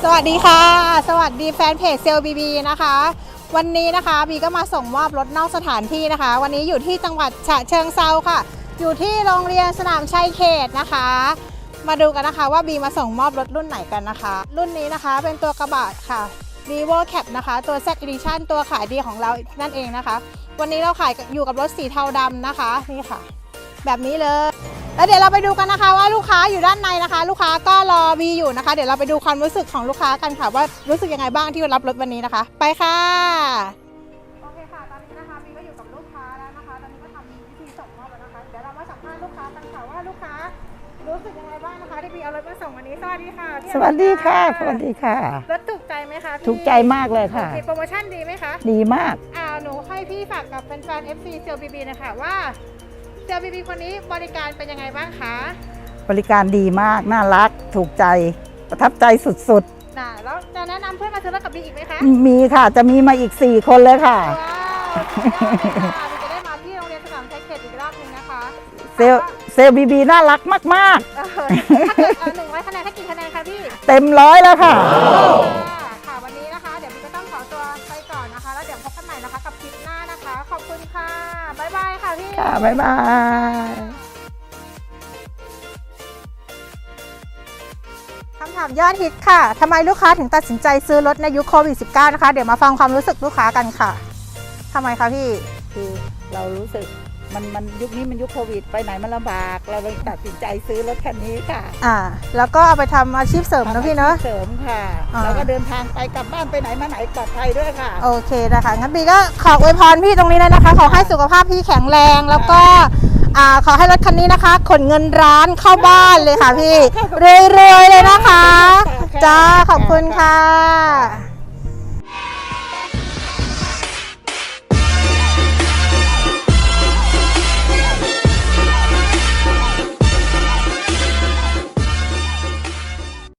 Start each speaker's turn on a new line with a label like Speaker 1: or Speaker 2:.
Speaker 1: วัสดีค่ะสวัสดีแฟนเพจเซลบีนะคะวันนี้นะคะบีก็มาส่งมอบรถนอกสถานที่นะคะ วันนี้อยู่ที่จังหวัดฉะเชิงเทราค่ะอยู่ที่โรงเรียนสนามชัยเขตนะคะ มาดูกันนะคะว่าบีมาส่งมอบรถรุ่นไหนกันนะคะ รุ่นนี้นะคะเป็นตัวกระบะค่ะ Revo Cap นะคะตัว Z Edition ตัวขายดีของเรานั่นเองนะคะ วันนี้เราขายอยู่กับรถสีเทาดำนะคะนี่ค่ะแบบนี้เลยแล้วเดี๋ยวเราไปดูกันนะคะว่าลูกค้าอยู่ด้านในนะคะ ลูกค้าก็รอบีอยู่นะคะเดี๋ยวเราไปดูความรู้สึกของลูกค้ากันค่ะว่ารู้สึกยังไงบ้างที่รับรถวันนี้นะคะไปค่ะโอเคค่ะตอนนี้นะคะบีก็อยู่กับลูกค้าแล้วนะคะตอนนี้ก็ทำวิธีส่งมอบแล้วนะคะเดี๋ยวเรามาสัมภาษณ์ลูกค้ากันค่ะว่าลูกค้ารู้สึกยังไงบ้างนะคะที่บีเอารถมาส่งวันนี้สวัสดีค่ะ
Speaker 2: สวัสดีค่ะสวัสดีค่ะ
Speaker 1: รถถูกใจไหมคะ
Speaker 2: ถูกใจมากเลยค่ะ
Speaker 1: โปรโมชั่นดีไหมคะ
Speaker 2: ดีมาก
Speaker 1: หนูให้พี่ฝากกับแฟนๆ FC เซลบีบีนะคะว่าเซลบีบีคนนี้บริการเป็นยังไงบ้างคะ
Speaker 2: บริการดีมากน่ารักถูกใจประทับใจสุด
Speaker 1: ๆแล้วจะแนะนำเพื่อนมาซื้อรถกับบีอีกไหมคะ
Speaker 2: มีค่ะจะมีมาอีก4คนเลยค่ะ
Speaker 1: ว้าวจะได้มาที่โรงเรียนสนามชัยเขตอีกรอบนึงนะคะ
Speaker 2: เซลบีบีน่ารักมาก
Speaker 1: ๆถ้าเกิด100 คะแนนให้กี่คะแนนคะพี่
Speaker 2: เต็ม100แล้วค่ะ
Speaker 1: ค่ะวันนี้นะคะเดี๋ยวบีก็ต้องขอตัวไปก่อนนะคะแล้วเดี๋ยวพบกันใหม่นะคะกับคลิปหน้านะคะขอบคุณค่ะบ๊ายบายค่ะพี่
Speaker 2: ค่ะบ๊ายบาย
Speaker 1: คำถามยอดฮิตค่ะทำไมลูกค้าถึงตัดสินใจซื้อรถในยุคโควิด -19 นะคะเดี๋ยวมาฟังความรู้สึกลูกค้ากันค่ะทำไมคะพี่
Speaker 2: คือเรารู้สึกมันยุคนี้มันยุคโควิดไปไหนมันลำบากเราเลยตัดสินใจซื้อรถคันนี้ค่ะ
Speaker 1: แล้วก็เอาไปทำอาชีพเสริมนะพี่เนาะ
Speaker 2: เสริมค่ะแล้วก็เดินทางไปกลับบ้านไปไหนมาไหนปลอดภัยด้วยค่ะ
Speaker 1: โอเคนะคะงั้นบีก็ขออวยพรพี่ตรงนี้เลยนะคะขอให้สุขภาพพี่แข็งแรงแล้วก็ขอให้รถคันนี้นะคะขนเงินร้านเข้าบ้านเลยค่ะพี่รวยๆเลยนะคะจ้าขอบคุณค่ะ